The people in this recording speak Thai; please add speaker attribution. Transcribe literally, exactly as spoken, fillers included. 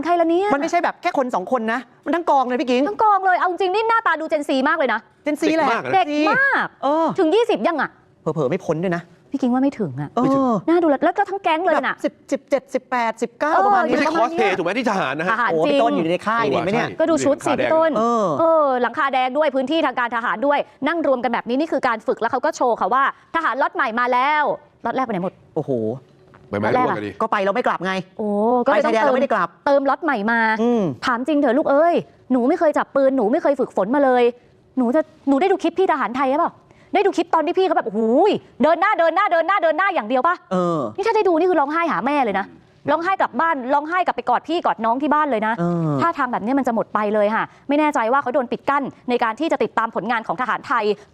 Speaker 1: ใครละเนี่ย
Speaker 2: มันไม่ใช่แบบแค่คนสองคนนะมันทั้งกองเลยพี่กิ๊ง
Speaker 1: ทั้งกองเลยเอาจริงนี่หน้าตาดูเจนซีมากเลยนะ
Speaker 2: เจนซีแหละ
Speaker 1: เด็กมากถึงยี่สิบยังอ่ะ
Speaker 2: เผลอๆไม่พ้นด้วยนะ
Speaker 1: พี่กิ๊งว่าไม่ถึงอ่ะ
Speaker 2: น่
Speaker 1: าดูแล้วก็ทั้งแก๊งเลยน่ะ
Speaker 2: สิบ สิบเจ็ด สิบแปด สิบเก้าประมาณนี้
Speaker 3: ไม่ใช่คอสเพย์ถูกไหมที่ทหารนะฮะ
Speaker 1: โอ้
Speaker 2: พี่ต้นอยู่ในค่ายเห็นไหมเนี่ย
Speaker 1: ก็ดูชุดสิพี่ต้นเออหลังคาแดงด้วยพื้นที่ทางการทหารด้วยนั่งรวมกันแบบนี้นี่คือการฝึกแล้วเขาก็โชว์ค่ะว่าทหารล็อตใหม่มาแล้วล็อตแรกไปไหนหมด
Speaker 2: โอ้โห
Speaker 3: ไปไหมล่ะ
Speaker 2: ก็ไปเราไม่กลับไง
Speaker 1: โอ้ก็เลยต้องเติมเติมล็อตใหม่มาถามจริงเถอะลูกเอ้ยหนูไม่เคยจับปืนหนูไม่เคยฝึกฝนมาเลยหนูจะหนูได้ดูคลิปพี่ทหารไทยหรือเปล่าได้ดูคลิปตอนที่พี่เขาแบบโอ้โหเดินหน้าเดินหน้าเดินหน้าเดินหน้าอย่างเดียวป่ะ
Speaker 2: เออ
Speaker 1: นี่ถ้าได้ดูนี่คือร้องไห้หาแม่เลยนะร้องไห้กลับบ้านร้องไห้กลับไปกอดพี่กอดน้องที่บ้านเลยนะถ้าทางแบบนี้มันจะหมดไปเลยค่ะไม่แน่ใจว่าเขาโดนปิดกั้นในการที่จะติดตามผลงานของทหารไทย